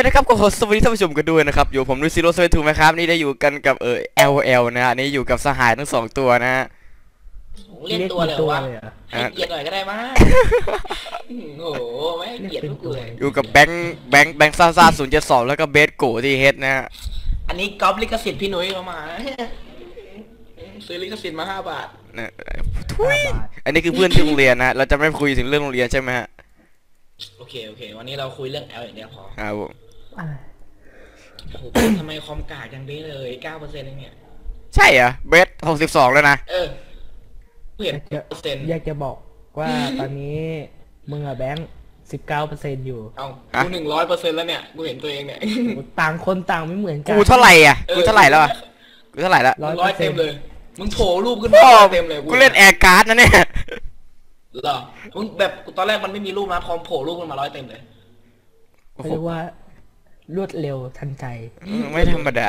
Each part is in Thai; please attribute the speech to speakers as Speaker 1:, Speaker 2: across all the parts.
Speaker 1: นะครับก็สวัสดีท่านผู้ชมกันด้วยนะครับอยู่ผมนุ้ยซีโร่เซเว่นทูไหมครับนี่ได้อยู่กันกับLL นะฮะนี่อยู่กับสหายทั้ง2ตัวนะฮะ
Speaker 2: เรียกตัวเลยวะให้เกียรติหน่อยก็ได้มั้ยโอ้โหไม่ให้เกียรติทุกเลย
Speaker 1: อยู่กับแบงค์ซ่า072แล้วก็เบสโกที่เฮดนะฮะ
Speaker 2: อันนี้ก๊อปลิขสิทธิ์พี่นุ้ยมาซื้อลิขสิทธิ์มา5 บาท
Speaker 1: ทุยอันนี้คือเพื่อนที่โรงเรียนนะเราจะไม่คุยถึงเรื่องโรงเรียนใช่ไหมฮะ
Speaker 2: โอเควันนี้เราคุยเรื่อง L อย่างเดียวพอ
Speaker 1: ครับผม
Speaker 2: โอ้โหทำไมคอมกากอย่างนี้เลย 9% เองเนี่ย
Speaker 1: ใช่เหรอเบส62แล้วนะ
Speaker 2: เปลี่ยน%
Speaker 3: อยากจะบอกว่าตอนนี้มึงอะแบงค์19%อยู่
Speaker 2: เอากู100%แล้วเนี่ยกูเห็นตัวเองเนี่ย
Speaker 3: ต่างคนต่างไม่เหมือนกัน
Speaker 1: กูเท่าไหร่อ่ะกูเท่าไหร่แล้วกูเท่าไหร่แล้ว
Speaker 2: 100เต็มเลยมึงโผล่รูปขึ้นมาเต็มเลย
Speaker 1: กูเล่นแอร์การ์ดนะเนี่ย
Speaker 2: เหรอมึงแบบตอนแรกมันไม่มีรูปนะพอโผล่รูปขึ้นมา100เต็มเลย
Speaker 3: เรียกว่ารวดเร็วทันใจ
Speaker 1: ไม่ธรรมดา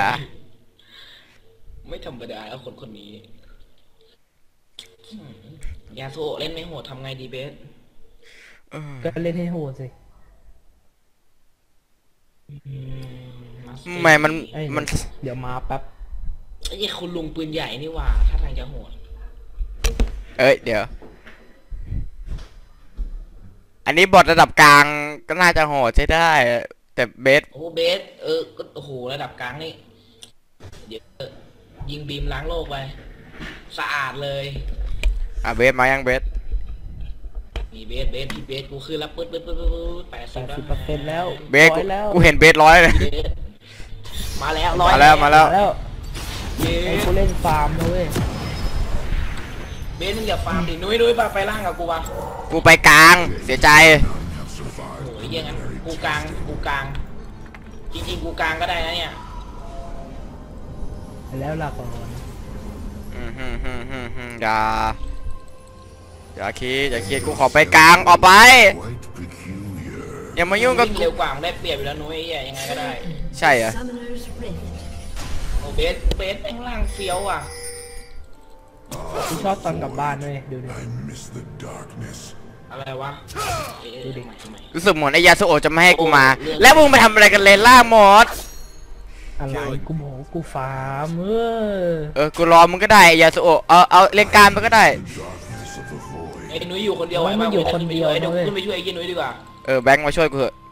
Speaker 2: แล้วคนนี้ยาโซเล่นไม่โหดทำไงดีเบส
Speaker 3: ก็เล่นให้โหดสิ
Speaker 1: ไม่มัน
Speaker 3: เดี๋ยวมาแป๊บ
Speaker 2: ไอ้คุณลุงปืนใหญ่นี่ว่าถ้าทางจะโหด
Speaker 1: เดี๋ยวอันนี้บอทระดับกลางก็น่าจะโหดใช้ได้แต่เบส
Speaker 2: เบสก็โอ้โหระดับกลางนี่เดี๋ยวยิงบีมล้างโลกไปสะอาดเลย
Speaker 1: เบสมายังเบส
Speaker 2: มีเบสพี่เบสกูคือรับปึ๊ด
Speaker 3: 80%แล้ว
Speaker 1: เบสกูเห็นเบส100เลย
Speaker 2: มาแล้ว
Speaker 3: ไอ้กูเล่นฟาร์มนะเว้ย
Speaker 2: เบสมึงอย่าฟาร์มดินุ้ยไปล่างกับกูวะ
Speaker 1: กูไปกลางเสียใจ
Speaker 2: โอ้ยยังงั้นกูกลางจริงๆกูกลางก็ได้นะเนี่ย
Speaker 3: แล้วล่ะก่อน
Speaker 1: อย่าคิดกูขอไปกลางออกไปอย่ามายุ่งกับ
Speaker 2: กูเร็วกว่าได้เปรียบอยู่แล้วนุ้ยยังไงก็ได้
Speaker 1: ใช่เหรอ
Speaker 2: โอ้เบสแม่งล่างเฟี้ยวอ่ะ
Speaker 3: กูชอบตอนกลับบ้านด้วยดูดิ
Speaker 2: อะไรวะ
Speaker 3: ดูดิ
Speaker 1: รู้สึกเหมือนไอ้ยาสุโอจะไม่ให้กูมาแล้วมึงไปทำอะไรกันเลนล่าหมด
Speaker 3: อะไรกูบอกกูฟาร์ม
Speaker 1: กูรอมึงก็ได้ยาสุโอเอาเล่นการมันก็ได้
Speaker 2: ไอ้นุ้ยอยู่คนเดียว
Speaker 3: มันอยู่คนเดียว
Speaker 2: เดี๋ยวขึ้นไปช่วยไอ้นุ้ยดีกว่า
Speaker 1: แบงค์มาช่วยกูเถอะ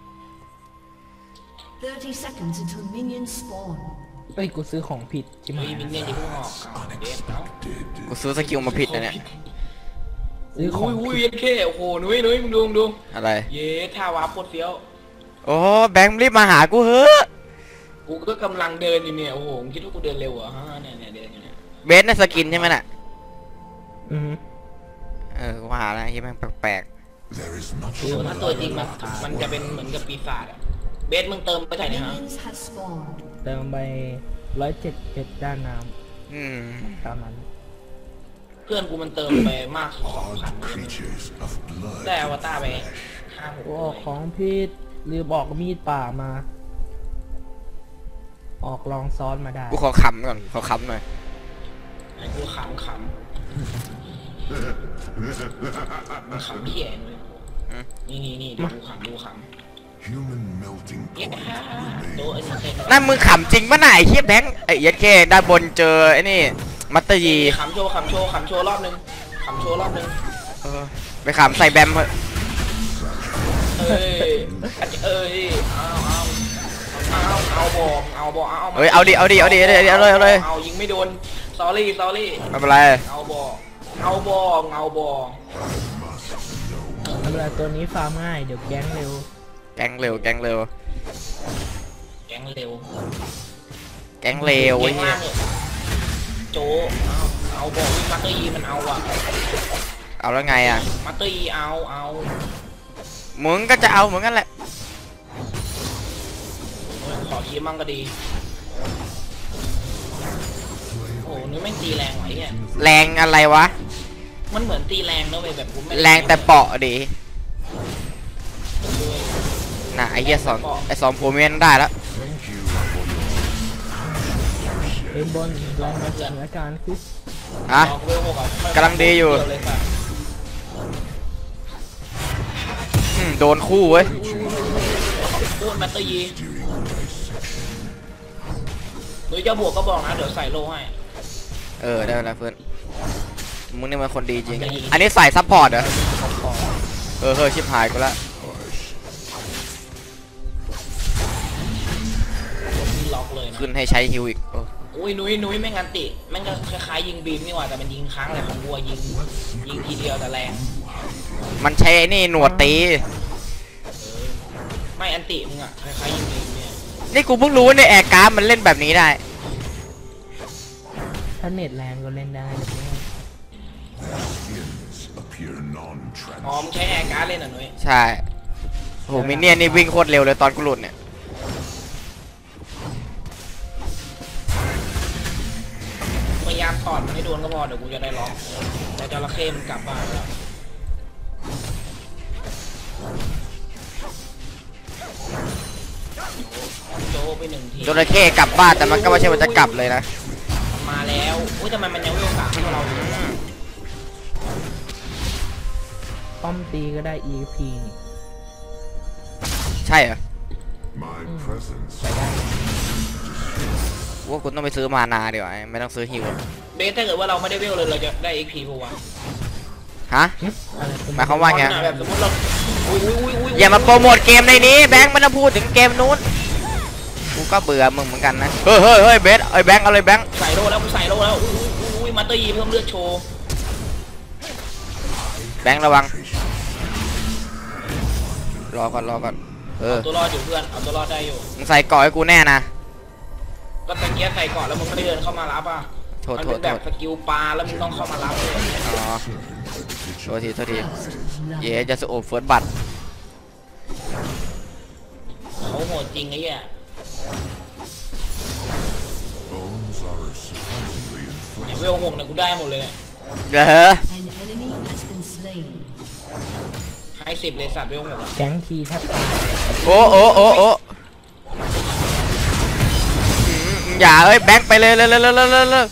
Speaker 3: กูซื้อของผิดใช่ไหม
Speaker 2: มินเนี่ยที่เพิ่งออก
Speaker 1: กูซื้อสกิลมาผิดนะเนี่ย
Speaker 3: ซื้อของ
Speaker 2: เย็นแค่โอ้โหนุ้ยมึงดู
Speaker 1: อะไร
Speaker 2: เย้ท่าวาร์ปโคตรเฟี้ยว
Speaker 1: โอ้แบงค์รีบมาหากูเฮ้ย
Speaker 2: กูก็กำลังเดินอยู่เนี่ยโอ้โหคิดว่ากูเดินเร็วอ่ะเนี่ยเดินอยู่เนี่ย
Speaker 1: เบสในสกินใช่ไหมน่ะกูหาแล้วที่มันแปลก
Speaker 2: ถ้าตัวจริงมันจะเป็นเหมือนกับปีศาจเบสมึงเติมไปไหนเนี่ยฮะ
Speaker 3: เติมไป107ด้านน้ำตามนั้น
Speaker 2: เพื่อนกูมันเติมไปมาก2,000ได้อวตารไป
Speaker 3: 5-6ของพี่ลืมบอกมีดป่ามาออกลองซ้อนมาได้
Speaker 1: กูขอขำก่อนขอขำหน่อย
Speaker 2: กูขำเหี้ยเลยนี่ดูขำ
Speaker 1: นั่นมึงขำจริงปะไหนเฮียแบงค์ยัดแค่ด้านบนเจอไอ้นี่มัตเตอร์ยี
Speaker 2: ขำโชว์รอบนึง
Speaker 1: ไปขำใส่แบมเถอะ
Speaker 2: เอา
Speaker 1: ดิเอาเลย
Speaker 2: ยิงไม่โดน sorry
Speaker 1: ไม่เป็นไร
Speaker 2: เอาบอ
Speaker 3: ทำอะไรตัวนี้ฟาร์มง่ายเดี๋ยวแก๊งเร็ว
Speaker 1: ไอ้เหี้ย
Speaker 2: โจเอาบอวิ่งมัตเตอร์ยีมันเอาอ่ะ
Speaker 1: เอาแล้วไงอ่ะ
Speaker 2: มัตเตอร์ยีเอา
Speaker 1: มึงก็จะเอาเหมือนกันแหละ
Speaker 2: ขอคีมั่งก็ดีโอ้นี่ไม่ตีแรงไหวเนี่ย
Speaker 1: แรงอะไรวะ
Speaker 2: มันเหมือนตีแรงนะเว้ยแบบผม
Speaker 1: แรงแต่เปาะดิน่ะไอ้เหี้ยสองโพเมนได้แล้ว
Speaker 3: บนลองมาสถานการณ์สิ
Speaker 1: กำลังดีอยู่โดนคู่เว้ย
Speaker 2: โคตรมัตเตอร์ยีหรือจะบวกก็บอกนะเดี๋ยวใส่โลให้
Speaker 1: ได้แล้วเพื่อนมึงนี่มันคนดีจริงอันนี้ใส่ซัพพอร์ตเหรอชิบหายกูละ
Speaker 2: ล็อกเลยนะ
Speaker 1: ขึ้นให้ใช้ฮิวอีก
Speaker 2: อุ้ยนุ้ยไม่งั้นติแม่งก็คล้ายๆยิงบีมนี่หว่าแต่มันยิงครั้งเลยของวัวยิงทีเดียวแต่แรง
Speaker 1: มันใช้ไอ้นี่หนวดตี
Speaker 2: ไม่อันติมึงอะคล้ายๆยิงบีมเนี่ย
Speaker 1: นี่กูเพิ่งรู้ว่าในแอร์การ์ดมันเล่นแบบนี้ได้
Speaker 3: ถ้าเน็ตแรงก็เล่นได้นะเนี่ย
Speaker 2: อ๋อมึงใช้แอร์การ์ดเล่นเหรอนุ้ย
Speaker 1: ใช่โหมินเนี่ยนนี่วิ่งโคตรเร็วเลยตอนกูหลุดเนี่ย
Speaker 2: พยายามถอดมันให้โดนก็พอเดี๋ยวกูจะได้ล็อกแต่จระเข้มันกลับบ้านแล้วโจไปหนึ่งที
Speaker 1: จระเข้กลับบ้านแต่มันก็ไม่ใช่ว่าจะกลับเลยนะ
Speaker 2: มาแล้วอุ้ยทำไมมันยังไม่สามให้เราอยู่
Speaker 3: ป้อมตีก็ได้ EP นี่
Speaker 1: ใช่เหรอ
Speaker 3: ไปได้
Speaker 1: ว่าคุณต้องไปซื้อมานาเดี๋ยวาไม่ต้องซื้อฮิว
Speaker 2: เบสถ้าเกิดว่าเราไม่ได้เวลเลยเราจะได้ XP ปะวะ
Speaker 1: ฮะ
Speaker 3: อะไร
Speaker 1: หมายความว่าไง
Speaker 2: แบบสมมติเราอุ้ย
Speaker 1: อย่ามาโปรโมทเกมในนี้แบงค์ไม่ต้องพูดถึงเกมนู้นกูก็เบื่อมึงเหมือนกันนะเฮ้ยเบสไอ้แบงค์เอาเลยแบงค์
Speaker 2: ใส่โลแล้วกูใส่โลแล้วอุ้ยมาเตอร์ยีเพิ่มเลือดโชว์
Speaker 1: แบงค์ระวังรอก่อน
Speaker 2: ตัวรอดอยู่เพื่อนเอาตัวรอดได้อยู่
Speaker 1: มึงใส่เกาะให้กูแน่นะ
Speaker 2: ก็ตะเกียบใส่ก่อนแล้วมึงไม่ได้เดินเข้ามารับอ่ะ
Speaker 1: โทษ
Speaker 2: มันเป็นแบบสกิลปลาแล้วมึงต้องเข้ามารับเลย
Speaker 1: อ๋อโทษทีเย่จะสโอบเฟิร์สบัตร
Speaker 2: เขาโหดจริงไอ้เหี้ย เนี่ยเวลหกเนี่ยกูได้หมดเลยเนี่ย
Speaker 1: เด้อ
Speaker 4: An enemy has been slain.
Speaker 2: ให้10เลยสัตว์เวลหกอะ
Speaker 3: แก๊งทีแทบตาย
Speaker 1: โอ้อย่าแบงค์ไปเลย
Speaker 4: Has been
Speaker 3: เย้
Speaker 4: slain.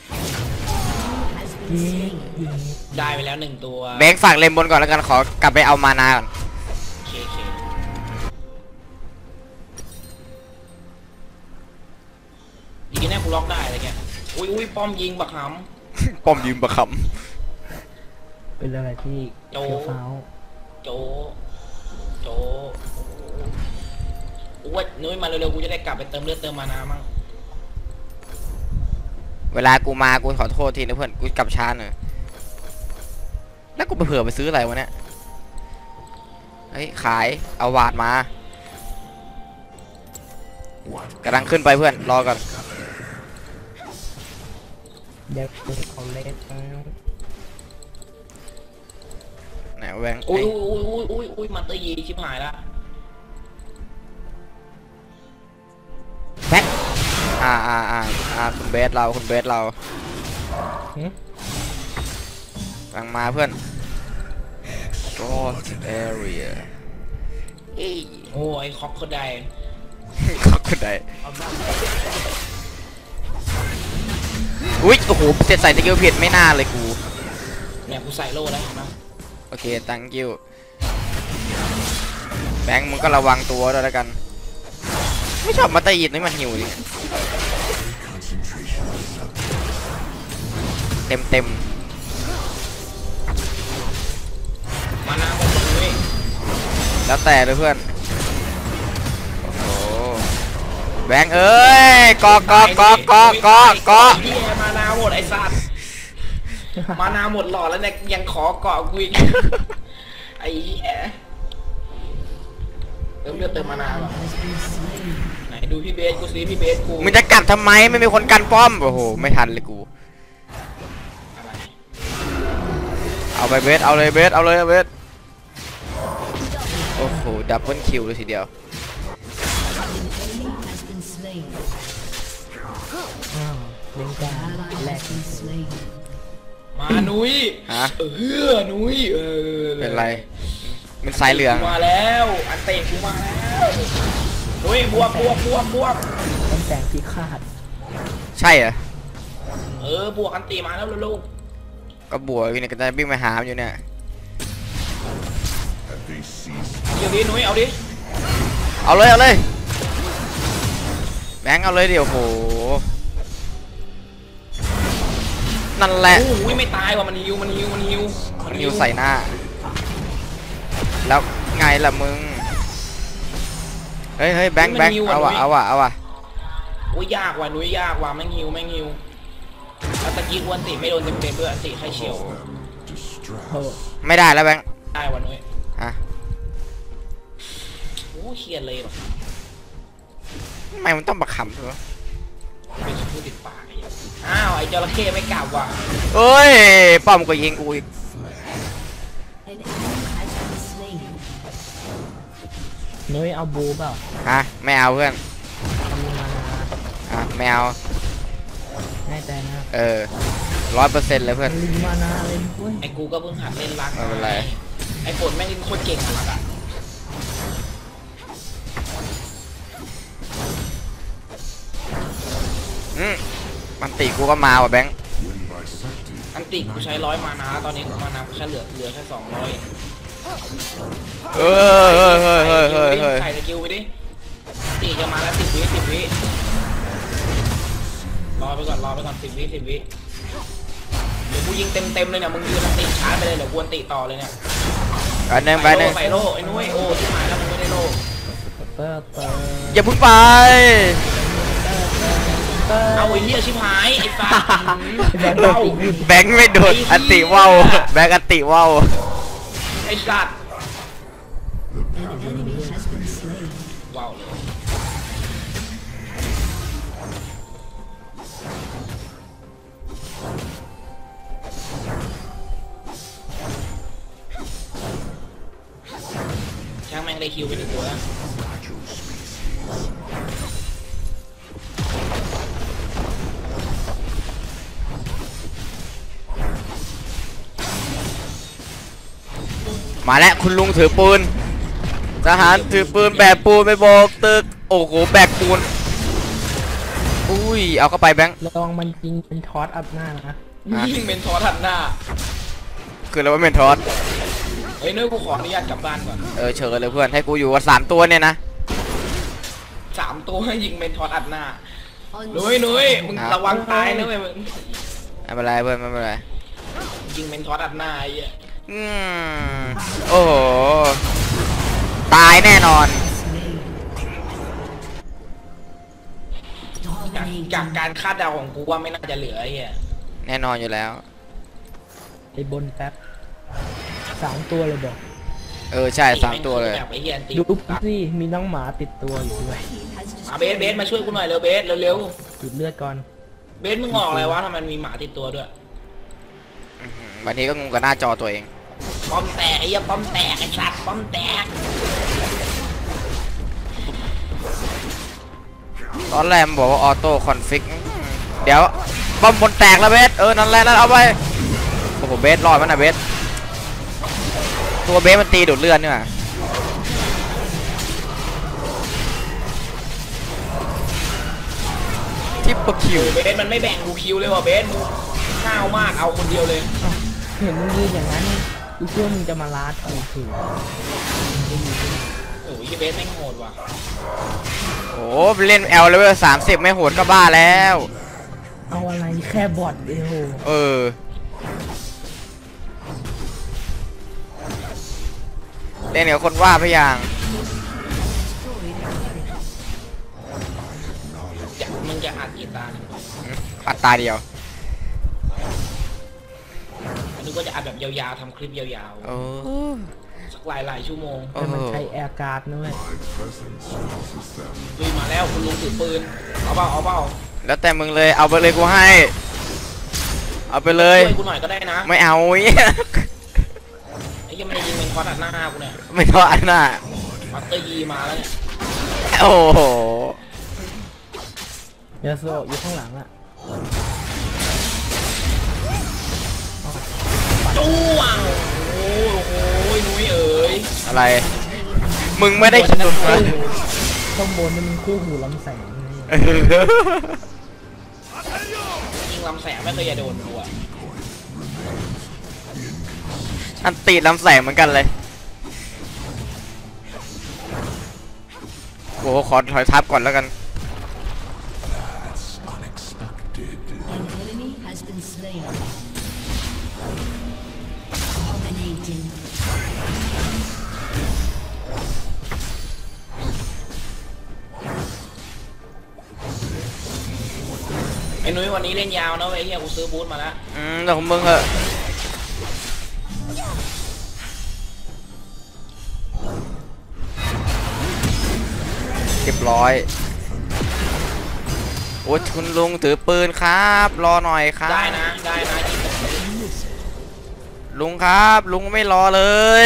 Speaker 3: เย้
Speaker 2: ได้ไปแล้ว1ตัว
Speaker 1: แบงค์ฝากเลมบนก่อนแล้วกันขอกลับไปเอามานาก่อน
Speaker 2: เคดีแน่กูล็อกได้อะไรเงี้ยอุ้ยป้อมยิงบักห
Speaker 1: ป้อมยืมประค
Speaker 3: เป็นอะไรที่เขียวฟ้าว
Speaker 2: ำโจอุ้ยนุ้ยมาเร็วๆกูจะได้กลับไปเติมเลือดเติมมานามั่ง
Speaker 1: เวลากูมากูขอโทษทีนะเพื่อนกูกลับช้าหน่อยแล้วกูไปเผื่อไปซื้ออะไรวะเนี่ยเฮ้ยขายเอาวาดมากำลังขึ้นไปเพื่อนรอก่อน
Speaker 3: เด็กเขาเล็กแล้ว
Speaker 1: ไหนแบงค์
Speaker 2: อุ้ยมาเตอร์ยีชิบหายละ
Speaker 1: แบงค์คุณเบสเรา
Speaker 3: หึ
Speaker 1: กำลังมาเพื่อน Ghost Area
Speaker 2: โอ้ยคอกก็ได้
Speaker 1: ขอบคุณได้อุ้ยโอ้โหเสร็จใส่ตะเกียบผิดไม่น่าเลยกู
Speaker 2: เนี่ยกูใส่โล่แล้วเห็นไหม
Speaker 1: โอเค thank you แบงค์มึงก็ระวังตัวด้วยแล้วกัน ไม่ชอบมาตะยีดนี่มันหิวดิเต็ม
Speaker 2: มานาหมดเลย
Speaker 1: แล้วแต่เลยเพื่อนโอ้โหแบงค์เอ้ยเกาะ
Speaker 2: พี่มานาหมดไอ้สัตว์มานาหมดหลอดแล้วเนี่ยยังขอเกาะกูอีกไอ้เหี้ยเติมเลือดเติมมานาหรอ
Speaker 4: Has been slain.
Speaker 2: ไหนดูพี่เบสกูซิพี่เบสกู
Speaker 1: มึงจะกลับทำไมไม่มีคนกันป้อมโอ้โหไม่ทันเลยกู
Speaker 2: อะไร
Speaker 1: เอาไปเบสเอาเลยเบสโอ้โหดับเบิลคิวเลยทีเดียว
Speaker 4: An enemy has been slain.
Speaker 3: อ้าวเล่นการ
Speaker 4: Ally
Speaker 3: แรก
Speaker 4: has been slain.
Speaker 2: มานุ้ย
Speaker 1: ฮะ
Speaker 2: นุ้ย
Speaker 1: เป็นไรเป็นสายเหลือง
Speaker 2: มาแล้วอันเตะกูมาแล้วนุ้ยบวก
Speaker 3: ต้องแต่งพิฆาต
Speaker 1: ใช่เหรอบ
Speaker 2: วกอันตีมาแล้วลูก
Speaker 1: ก็บวกอยู่เนี่ยก็จะวิ่งไปหามันอยู่เนี่ย
Speaker 2: เดี๋ยวนี้นุ้ยเอาดิ
Speaker 1: เอาเลยบงค์เอาเลยเดี๋ยวโหนั่นแหละ
Speaker 2: โอ้ยไม่ตายว่ะมันฮิวมันฮิวมันฮิว
Speaker 1: มันอยู่ใส่หน้าแล้วไงล่ะมึงเฮ้ยแบงค์เอาว่ะ
Speaker 2: โอ้ยยากว่ะนุ้ยยากว่ะแม่งฮิวแล้วตะกี้กวนติไม่โดนเต็มๆด้วยติใครเฉียว
Speaker 3: โอ้
Speaker 1: ไม่ได้แล้วแบงค์
Speaker 2: ได้ว่ะนุ้ย
Speaker 1: ฮะ
Speaker 2: โอ้เครียดเลยหรอ
Speaker 1: ทำไมมันต้องบักขำด้วย
Speaker 2: เป็นผู้ติดปากไอ้เหี้ยอ้าวไอ้จระเข้ไม่กลับว่ะ
Speaker 1: เอ้ยป้อมก็ยิงกูอีก
Speaker 4: An enemy has been slain.
Speaker 3: นุ้ยเอาบูเปล่า
Speaker 1: ฮะไม่เอาเพื่อน
Speaker 3: ทำมา
Speaker 1: ไม่เอา
Speaker 3: แน่ใจนะ
Speaker 1: 100%เลยเพื่อน
Speaker 3: ลิงมานาเลยเว้ย
Speaker 2: ไอ้กูก็เพิ่งหัดเล่นรัก
Speaker 1: ไม่เป็นไร
Speaker 2: ไอ้ฝนแม่งเล่นโคตรเก่งอะรักอะ
Speaker 1: มันตีกูก็มาว่ะแบงค์
Speaker 2: อันติกูใช้100มานาตอนนี้มานากูแค่เหลือแค่200
Speaker 1: เฮ้ย
Speaker 2: ใส่สกิลไปดิตีจะมาแล้ว10 วิรอไปก่อน10 วิเดี๋ยวกูยิงเต็มเลยเนี่ยมึงยืนตีช้าไปเลยเดี๋ยวกวนตีต่อเลยเนี่ย
Speaker 1: ไปหนึ่ง
Speaker 2: ใส่โล่ไอ้นุ้ยโอ้ที่หมายแล้วมึงไม่ได้โล่
Speaker 3: เตอร์
Speaker 1: อย่าเพึ่งไป
Speaker 2: เอาไอ้เหี้ยชิบหายไอ้ฟ้า
Speaker 1: แบงค์ไม่โดนอันติว่าวแบงค์อันติว่าว
Speaker 2: ไอ้สัตว์
Speaker 4: An enemy has been slain.
Speaker 2: ว้าวเลยช่างแม่งได้คิวไป1 ตัวแล้ว
Speaker 1: มาแล้วคุณลุงถือปืนทหารถือปืนแบกปูนไปโบกตึกโอ้โหแบกปูนอุ้ยเอาเข้าไปแบงค์
Speaker 3: ลองมันยิงเป็นทอสอัพหน้านะ
Speaker 1: ฮะ
Speaker 2: ยิงเป็นทอทันหน้า
Speaker 1: คือเราไม่เป็นทอส
Speaker 2: เฮ้ยนุ้ยกูขออนุญาตกลับบ้านก่อน
Speaker 1: เชิญเลยเพื่อนให้กูอยู่กับ3 ตัวเนี่ยนะ
Speaker 2: 3 ตัวให้ยิงเป็นทอดอัดหน้านุ้ยมึงระวังตายนะเว้ยมึง
Speaker 1: ไม่เป็นไรเพื่อนไม่เป็นไร
Speaker 2: ยิงเป็นทอดอัดหน้าไอ้เหี้ย
Speaker 1: โอ้โหตายแน่นอน
Speaker 2: จากการคาดเดาของกูว่าไม่น่าจะเหลือไอ้เหี้ย
Speaker 1: แน่นอนอยู่แล้ว
Speaker 3: ไอ้บนแป๊บ3 ตัวเลยบอก
Speaker 1: ใช่3 ตัวเลย
Speaker 2: แบบไอ้เหี้ยตี
Speaker 3: ดูสิมีน้องหมาติดตัวอยู่ด้วย
Speaker 2: มาเบสมาช่วยกูหน่อยเร็วเบสเร็ว
Speaker 3: ติดเลือดก่อน
Speaker 2: เบสมึงออกอะไรวะทำไมมีหมาติดตัวด้วย
Speaker 1: บางทีก็งงกับหน้าจอตัวเอง
Speaker 2: ป้อมแตกไอ้เหี้ยป้อมแตกไอ้สัตว์ป้อมแตก
Speaker 1: ตอนแรกมันบอกว่าออโต้คอนฟิกเดี๋ยวบอมบนแตกแล้วเบสนั่นแหละนั่นเอาไปโอ้โหเบสรอดมันนะเบสตัวเบสมันตีดูดเลือดนี่หว่าทิปเปอร์คิว
Speaker 2: เบสมันไม่แบ่งกูคิวเลยว่ะเบสมึงข้าวมากเอาคนเดียวเลย
Speaker 3: เห็นมึงยืนอย่างนั้นกูเชื่อมึงจะมาลาดกูถือ
Speaker 2: โอ้ยเบสแม่งโหดว่ะ
Speaker 1: โอ้เล่น L เลเวล30ไม่โหดก็บ้าแล้ว
Speaker 3: เอาอะไรแค่บอทเดียว
Speaker 1: เล่นกับคนว่าพยาง
Speaker 2: มึงจะอัดกี่ตาเนี่ย
Speaker 1: ปัดตาเดียว
Speaker 2: อันนี้ก็จะอัดแบบยาวๆทำคลิปยาว
Speaker 1: โอ้
Speaker 2: ๆสักหลายชั่วโมง
Speaker 3: แต่มันใช้แอร์การ์ดนะเว้ย
Speaker 2: ลุยมาแล้วคุณลุงถือปืนเอาเปล่า
Speaker 1: แล้วแต่มึงเลยเอาไปเลยกูให้เอาไปเลย
Speaker 2: ช่วยกูหน่อยก็ได้นะ
Speaker 1: ไม่เอา
Speaker 2: ไอ้ยังไม่ได้ยิงเป็นคอร์ดอัดหน้ากูเนี่ย
Speaker 1: ไม่ทอดน่ะ
Speaker 2: มัตเตอร์ยีมาแล้วเนี่ย
Speaker 1: โอ้โห
Speaker 3: เดี๋ยวโซอยู่ข้างหลังอ่ะ
Speaker 2: จ้วงโอ้ยนุ้ยเอ๋ย
Speaker 1: อะไร มึงไม่ได้คิดหรอกนะ
Speaker 3: ข้างบนนี่มันคู่หูลำแสงนะ
Speaker 2: ยิงลำแสงไม่เคยจะโดนกูอะ
Speaker 1: อันตีลำแสงเหมือนกันเลยโอ้โหขอถอยทับก่อนแล้วกัน
Speaker 4: An enemy has been slain. Dominating.
Speaker 2: ไอ้นุ้ยวันนี้เล่นยาวนะเว้ยเฮียกูซื้อบูทมาแล้ว
Speaker 1: เดี๋ยวของมึงเหอะเรียบร้อยโอ้ยคุณลุงถือปืนครับรอหน่อยครับ
Speaker 2: ได้นะได้นะ
Speaker 1: ลุงครับลุงไม่รอเลย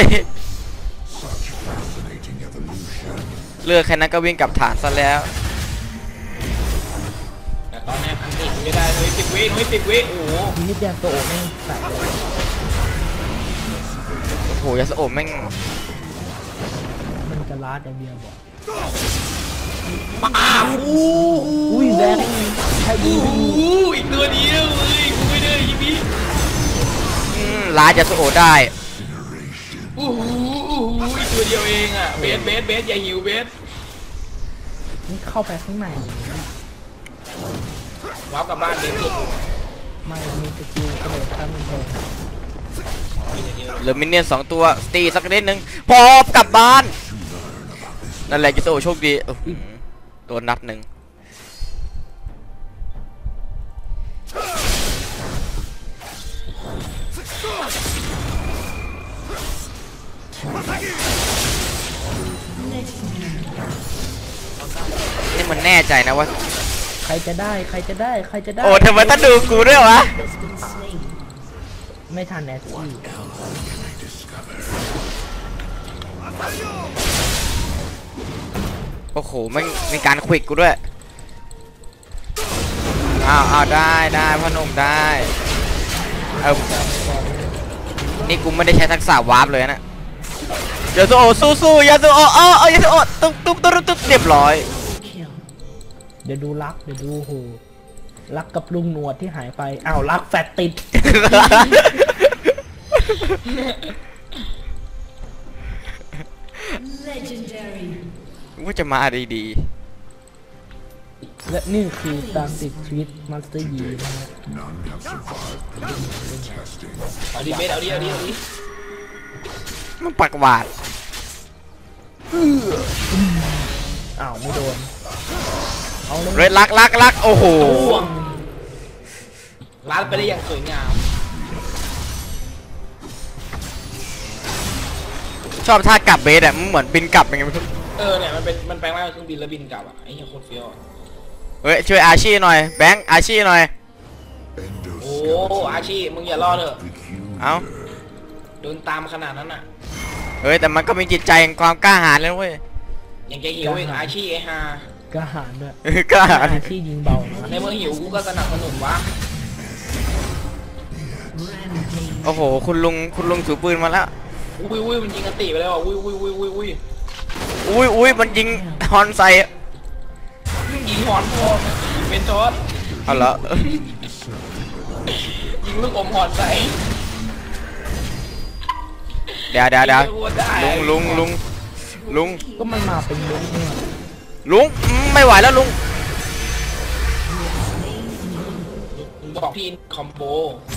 Speaker 1: เลือกแค่นั้นก็วิ่งกลับฐานซะแล้ว
Speaker 2: แต่ตอนนี้อันติไม่ได้นุ้ย10 วินุ้ย10 วิโอ้โห
Speaker 3: ทีนี้แดงโตโอไม่ใส่เลย
Speaker 1: โอ้โหยาสโอะแม่ง
Speaker 3: มันจะลาดอย่างเดียวบอก
Speaker 2: ป้าบ
Speaker 3: อุ้ยแดงใช่ดี
Speaker 2: โอ้โหอีกตัวเดียวเว้ยกูไม่ได้ยี่พี่
Speaker 1: ลาดยาสโอะได้
Speaker 2: โอ้โหอีกตัวเดียวเองอ่ะเบสอย่าหิวเบส
Speaker 3: นี่เข้าไปข้างใน
Speaker 2: ว้าวกลับบ้านเบสสุด
Speaker 3: ไม่มีสกิลกระโดดข้ามกำแพง
Speaker 1: เหลือมินเนี่ยน2 ตัวตีสักนิดนึงพอกลับบ้านนั่นแหละยาสโอะโชคดีโดนนัดหนึ่งนี่มันแน่ใจนะว่า
Speaker 3: ใครจะได้ใครจะได้ใครจะได้
Speaker 1: โอ้ทำไมต้องดูกูด้วยวะ
Speaker 4: Has been slain.
Speaker 3: ไม่ทันแอสซี่
Speaker 1: โอ้โหไม่มีการควิกกูด้วยอ้าวได้พ่อหนุ่มได้นี่กูไม่ได้ใช้ทักษะวาร์ปเลยนะยาสุโอะสู้ยาสุโอะยาสุโอะตุ๊บเรียบร้อย
Speaker 4: Kill.
Speaker 3: เดี๋ยวดูรักเดี๋ยวดูโหรักกับลุงหนวดที่หายไปอ้าวรักแฟตติด
Speaker 4: Legendary.
Speaker 1: ว่าจะมาดี
Speaker 3: และนี่คือตามติดชีวิตมาสเตอร์ยีนะฮะ
Speaker 2: เอาดิเบสเอาดิ
Speaker 1: ๆมันปักหวาด
Speaker 3: อ้าวไม่โดนเอาเลย
Speaker 1: เรดลักโอ้โห
Speaker 2: ห่วงร้านไปได้อย่างสวยงาม
Speaker 1: ชอบท่ากลับเบสอะมันเหมือนบินกลับยังไงไม่รู้
Speaker 2: เนี่ยมันแปลงร่างเป็นเครื่องบินแล้วบินกลับอ่ะไอ้เหี้ยโคตรเฟี้ยวอะ
Speaker 1: เฮ้ยช่วยอาชีหน่อยแบงค์อาชีหน่อย
Speaker 2: โอ้อาชีมึงอย่ารอเถอะ
Speaker 1: เอ้า
Speaker 2: โดนตามขนาดนั้นอ่ะ
Speaker 1: เฮ้ยแต่มันก็มีจิตใจแห่งความกล้าหาญเลยเว้ย
Speaker 2: ยังจะหิวอีกอาชีไอ้ฮาก
Speaker 3: ระหารด้วย
Speaker 1: กล้าหาญ
Speaker 3: อาชีพยิงเบานะ
Speaker 2: ในเมื่อหิวกูก็สนับสนุนวะ
Speaker 4: Rampage.
Speaker 1: โอ้โหคุณลุงถือปืนมาแล้ว
Speaker 2: อุ้ยมันยิงกันติไปแล้วอ่ะอุ้ย
Speaker 1: อุ้ยมันยิงฮอนใส่
Speaker 2: ยิงหอนพอเป็นทอด
Speaker 1: เอาเหรอ
Speaker 2: ยิงลูกอมหอนใส่
Speaker 1: เดี๋ยวลุง
Speaker 3: ก็มันมาเป็นลุงเนี่ย
Speaker 1: ไม่ไหวแล้วลุง
Speaker 2: บอกพี่คอมโบ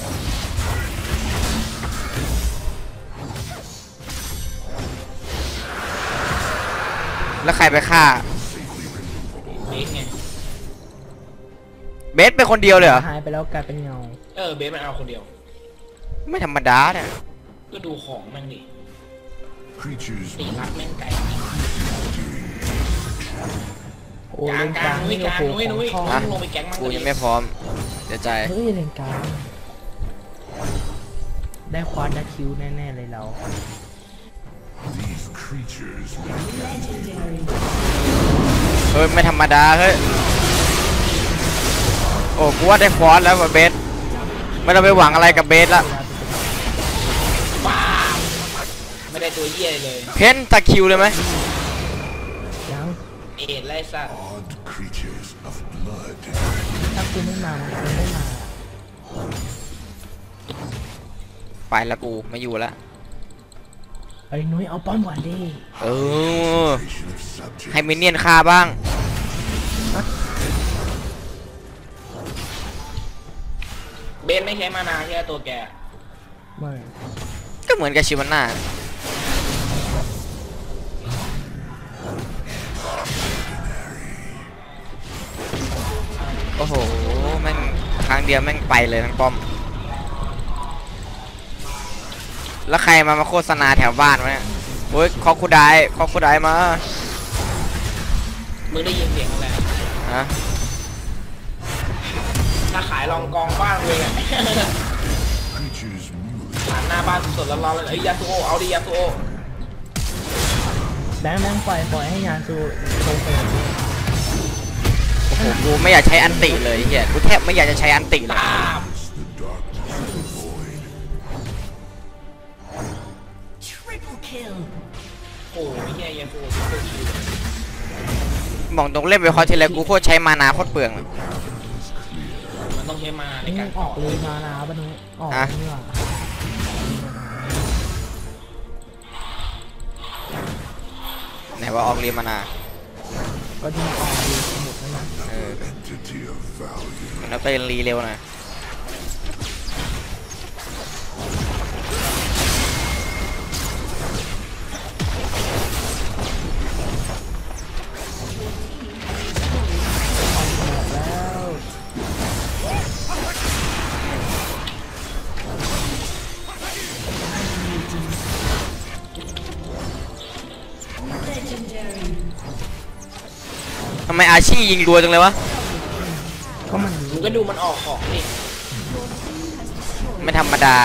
Speaker 1: แล้วใครไปฆ่า
Speaker 2: เบสไง
Speaker 1: เบสเป็นคนเดียวเลยเหรอ
Speaker 3: หายไปแล้วกลายเป็นเงา
Speaker 2: เบสมันเอาคนเดียว
Speaker 1: ไม่ธรรมดาเนี่ย
Speaker 2: ก็ดูของแม่งดิ
Speaker 5: Creatures
Speaker 2: ตีรักแม่งไก่
Speaker 3: โอ้เลนกลาง
Speaker 2: นุ้ย
Speaker 3: นี่
Speaker 2: ก
Speaker 3: โอ้
Speaker 2: ลาง
Speaker 3: โห
Speaker 2: นุ้ย
Speaker 3: ของท
Speaker 1: อ่ะ
Speaker 3: อง
Speaker 2: ลงไปแก๊งมั่ง
Speaker 1: กูยังไม่พร้อมเดี๋ยวใจ
Speaker 3: เฮ้ยเลนกลางได้ควานได้คิวแน่ๆเลยเรา
Speaker 5: these creatures
Speaker 4: Legendary.
Speaker 1: เฮ้ยไม่ธรรมดาเฮ้ยโอ้กูว่าได้ฟอสแล้วว่ะเบสไม่ต้องไปหวังอะไรกับเบสละ
Speaker 2: ป้าบไม่ได้ตัวเหี้ยเลย
Speaker 1: เพนตะคิวเลยไหม
Speaker 3: ยัง
Speaker 2: เอ็ดไล่สัตว์
Speaker 5: odd creatures of blood
Speaker 3: ถ้าคุณไม่มามันคงไม่มา
Speaker 1: ไปละกูไม่อยู่ละ
Speaker 3: ไอ้นุ้ยเอาป้อมก่อนดิ
Speaker 1: เออ
Speaker 5: nation of subjects
Speaker 1: ให้มินเนี่ยนฆ่าบ้าง
Speaker 2: เบนไม่ใช้มานาใช่ไหมตัวแก
Speaker 3: ไม่
Speaker 1: ก็เหมือนกับชิวาน่าโอ้โหแม่งครั้งเดียวแม่งไปเลยทั้งป้อมแล้วใครมาโฆษณาแถวบ้านวะเนี่ยโอ้ยคอคูไดมา
Speaker 2: มึงได้ยินเสียงอะไร
Speaker 1: ฮะ
Speaker 2: ถ้าขายรองกองบ้านเลยอะ
Speaker 5: Creatures move.
Speaker 2: ผ่านหน้าบ้านสดๆร้อนๆเลยไอ้ยาสุโอเอาดิยาสุโอ
Speaker 3: แบงค์ปล่อยให้ยานซูโชว์เฟรม
Speaker 1: โอ้โหกูไม่อยากใช้อันติเลยเฮียกูแทบไม่อยากจะใช้อันติเลย
Speaker 2: ตาม
Speaker 5: The darkness of the void.
Speaker 4: Triple kill.
Speaker 2: โอ้ยเฮียยาสุโอตัวคิว
Speaker 1: บอกตรงเล่นไปคอร์ทีไรกูโคตรใช้มานาโคตรเปลืองเลย
Speaker 2: มันต้องใช้มาใน
Speaker 3: นี่
Speaker 2: การ
Speaker 3: ออกเลยมานาปะนุ้ยออกนี่หว่า
Speaker 1: ไหนว่าออกเรียนมานา
Speaker 3: ก็ที่ออกเลยหมดแล้วนะ
Speaker 1: เออ
Speaker 5: Entity of value.
Speaker 1: แล้วไปรีเร็วหน่อยทำไมอาชียิงรัวจังเลยวะ
Speaker 3: ก็มัน
Speaker 2: มึงก็ดูมันออกของนี่
Speaker 1: ไม่ธรรมดา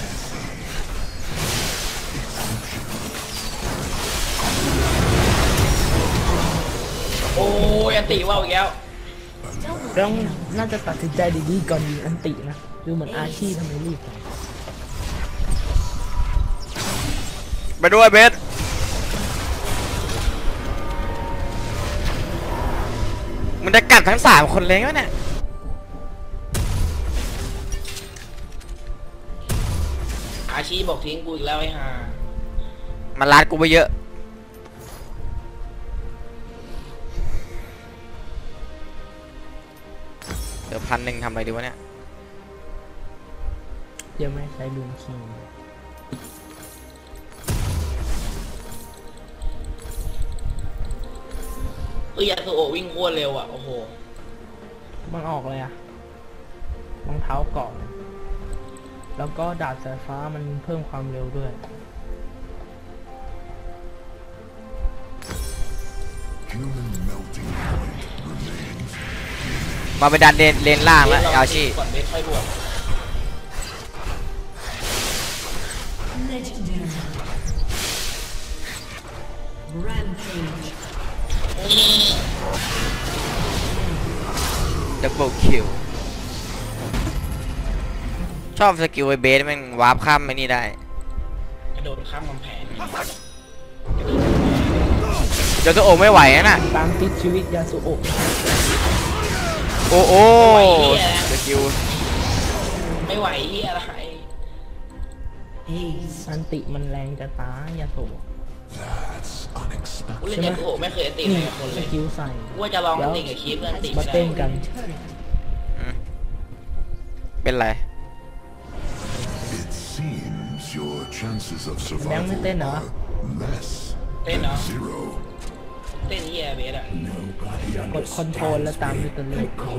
Speaker 2: โอ้ยอันติว่าวอีกแล้ว
Speaker 3: ต้องน่าจะตัดสินใจดีๆก่อนยิงอันตินะดูเหมือนอาชีพทำไมรีบจัง
Speaker 1: ไปด้วยเบสมันจะกัดทั้ง3 คนเลยไหมเนี่ย
Speaker 2: อาชีบอกทิ้งกูอีกแล้วไอ้ห่า
Speaker 1: มันรัดกูไปเยอะเดี๋ยว1,000ทำอะไรดีวะเนี่ย
Speaker 3: ยังไม่ใช้ลูนคิง
Speaker 2: เอ้ยยาสุโอวิ่งโคตรเร็วอ่ะโอ้โห
Speaker 3: มันออกเลยอะรองเท้าเกาะแล้วก็ดาบสายฟ้ามันเพิ่มความเร็วด้วย
Speaker 5: Human melting point remains.
Speaker 1: มาไปดันเลนล่างแล้วอาชี
Speaker 2: ก่อนเบสค่อยบวก
Speaker 4: Legendary. Rampage.
Speaker 1: ดับเบิลคิวชอบสกิลไอเบสมันวาร์ปข้ามไม่นี่ได้
Speaker 2: กระโดดข้ามกำแพง
Speaker 1: เดี๋ยวตัวโอไม่ไหวนะน่ะ
Speaker 3: ตามติดชีวิตยาสุโอะ
Speaker 1: โอ้โอ้สกิล
Speaker 2: ไม่ไหวเฮียอะไร
Speaker 4: Haze.
Speaker 3: อันติมันแรงจะตายยาสุโอะ
Speaker 5: That's unexpected.
Speaker 2: กูเล่นยาสุโอไม่เคยอันติเลยกับคน
Speaker 3: ส
Speaker 2: เลย
Speaker 3: กิลใส่
Speaker 2: กูว่าจะลองอันติกับคีฟเพื่อนอันติ
Speaker 3: มา
Speaker 2: ไม่
Speaker 3: เต้
Speaker 2: ได้
Speaker 3: นกัน
Speaker 1: เป็นไร
Speaker 5: It seems your chances of
Speaker 3: แบงค์ไม่
Speaker 5: survival
Speaker 3: เต้นเหรอ
Speaker 5: are less
Speaker 2: เต้นเนาะ
Speaker 5: zero.
Speaker 2: เต้นเฮียเบสอ่ะ
Speaker 3: กดคอนโทรลแล้วตามด้วยตัวเลขก็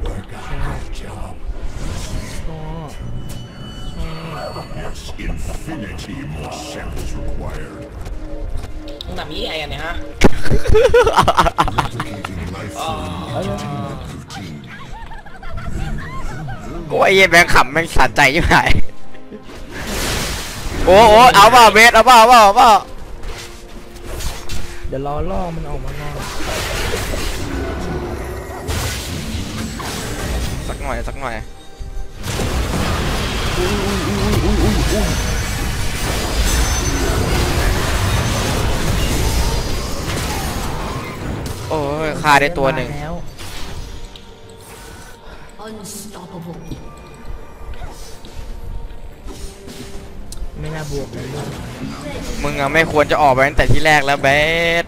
Speaker 5: Yes, infinity more samples required.
Speaker 2: มึงทำยี่ไงกันเนี่ยฮะ
Speaker 5: Replicating life form entertainment routine.
Speaker 1: กูไอ้เหี้ยแบงค์ขำแม่งสะใจยิ่งหายโอ้โอ้เอาเปล่าเบสเอาเปล่าเอาเปล่า
Speaker 3: เดี๋ยวรอล่อมันออกมานอน
Speaker 1: สักหน่อยโอ้ยฆ่าได้ตัวหนึ่ง
Speaker 3: แล้ว
Speaker 4: Unstoppable.
Speaker 3: ไม่น่าบวกเลยลูก
Speaker 1: มึงอะไม่ควรจะออกไปตั้งแต่ที่แรกแล้วเบส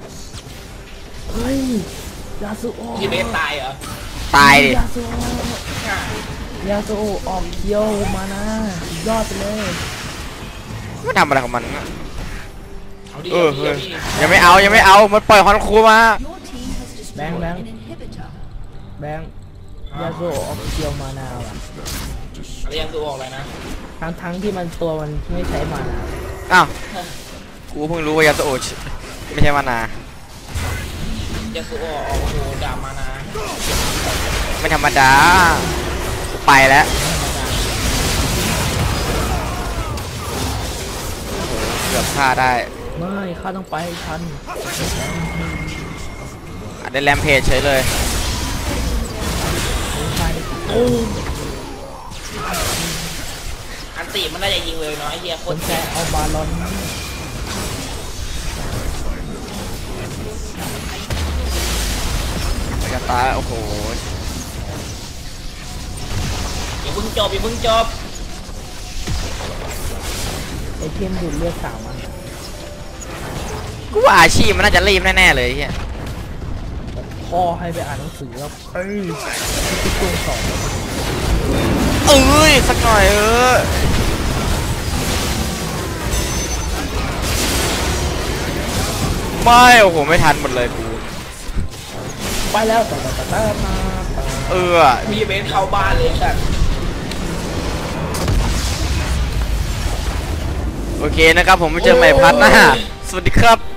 Speaker 3: เฮ้ยยาสุโอะ
Speaker 2: ที่เบสตายเหรอ
Speaker 1: ตายดิ
Speaker 3: ยาสุโอะ
Speaker 2: อ่ะ
Speaker 3: ยาโซออกเคียวมานะยอดไปเลย
Speaker 1: ไม่ทำอะไรของมันนะ
Speaker 2: เอาดิ
Speaker 1: เออ
Speaker 2: เอา
Speaker 1: เฮ้ย
Speaker 2: ดิ
Speaker 1: ยังไม่เอามันปล่อยฮอนคูมา
Speaker 4: Your team has destroyed
Speaker 3: Bang, bang.
Speaker 4: an inhibitor.
Speaker 3: แบงค์ยาโซออกเคียวมานาว่ะ
Speaker 2: อะไรยังตัวออกเลยนะ
Speaker 3: ทั้งที่มันตัวมันไม่ใช้มานา
Speaker 1: อ้าวกูเพิ่งรู้ว่ายาสโอชไม่ใช่มานา
Speaker 2: ยังตัวออกโอ้โหดามานา
Speaker 1: ไม่ธรรมดากูไปแล้วเกือบฆ่าได้
Speaker 3: ไม่ข้าต้องไปให้ทัน
Speaker 1: ได้แรมเพจเฉยเลย
Speaker 3: ไม่ใช่โอ้
Speaker 2: อันติมันน่าจะยิงเลยเนาะไอ้เหี้ยโค
Speaker 3: คน
Speaker 2: ตร
Speaker 3: แค่
Speaker 2: แซ่บ
Speaker 3: เอาบาลอน
Speaker 1: จะตายโอ้โห
Speaker 2: อย่าเพิ่งจบอย่าเพิ่งจบ
Speaker 3: ไอเทมดูดเลือด3 อัน
Speaker 1: กูว่าอาชีพมันน่าจะรีบแน่ๆเลยไอ้เฮีย
Speaker 3: พ่อให้ไปอ่านหนังสือแล้วที่ตัวสอง
Speaker 1: เอ้ยสักหน่อยไม่โอ้โหไม่ทันหมดเลยกู
Speaker 3: ไปแล้วมา
Speaker 2: มีเบนเข้าบ้านเลยสัตว์
Speaker 1: โอเคนะครับผมไปเจอใหม่พัดหน้าสวัสดีครับ